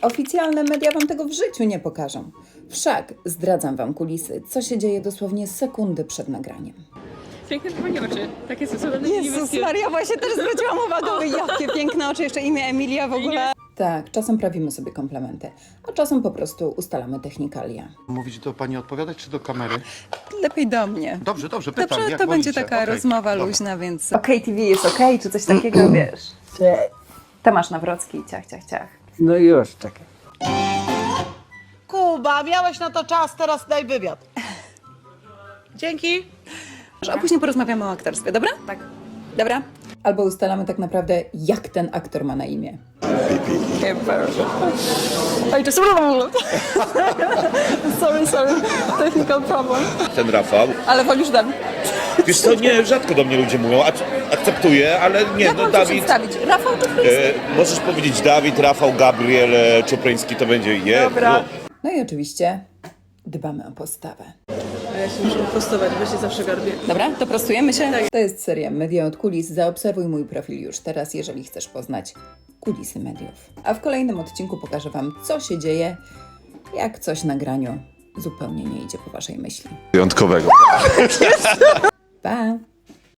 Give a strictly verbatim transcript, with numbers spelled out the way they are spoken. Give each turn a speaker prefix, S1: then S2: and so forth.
S1: Oficjalne media wam tego w życiu nie pokażą. Wszak zdradzam wam kulisy, co się dzieje dosłownie sekundy przed nagraniem.
S2: Piękne pani oczy, takie są cudowne.
S3: Jezus Maria, właśnie też zwróciłam uwagę, jakie piękne oczy, jeszcze imię Emilia w ogóle.
S1: Tak, czasem prawimy sobie komplementy, a czasem po prostu ustalamy technikalia.
S4: Mówić do pani odpowiadać, czy do kamery?
S3: Lepiej do mnie.
S4: Dobrze, dobrze, pytam,
S3: Dobrze,
S4: jak
S3: to będzie
S4: wolicie.
S3: taka
S4: Okej,
S3: rozmowa
S4: dobra.
S3: luźna, więc...
S1: Okej, T V jest okej, czy coś takiego, wiesz? Tomasz Nawrocki, ciach, ciach, ciach.
S5: No już, czekaj.
S6: Kuba, miałeś na to czas, teraz daj wywiad. Dzięki.
S3: A później porozmawiamy o aktorstwie, dobra? Tak. Dobra?
S1: Albo ustalamy tak naprawdę, jak ten aktor ma na imię.
S3: I just... sorry, sorry. Technical problem.
S7: Ten Rafał.
S3: Ale wolisz Dawid.
S7: Wiesz co, nie, rzadko do mnie ludzie mówią, ak- akceptuję, ale nie,
S3: Jak
S7: no
S3: mam cię
S7: Dawid,
S3: przedstawić? Rafał to
S7: e, możesz powiedzieć Dawid, Rafał, Gabriel, e, Czupryński, to będzie jedno.
S3: Dobra.
S1: No i oczywiście dbamy o postawę.
S2: A ja się muszę prostować, bo się zawsze garbię.
S3: Dobra, to prostujemy się?
S1: To jest seria Media od kulis. Zaobserwuj mój profil już teraz, jeżeli chcesz poznać kulisy mediów. A w kolejnym odcinku pokażę wam, co się dzieje, jak coś na graniu zupełnie nie idzie po waszej myśli.
S4: Wyjątkowego.
S1: Pa!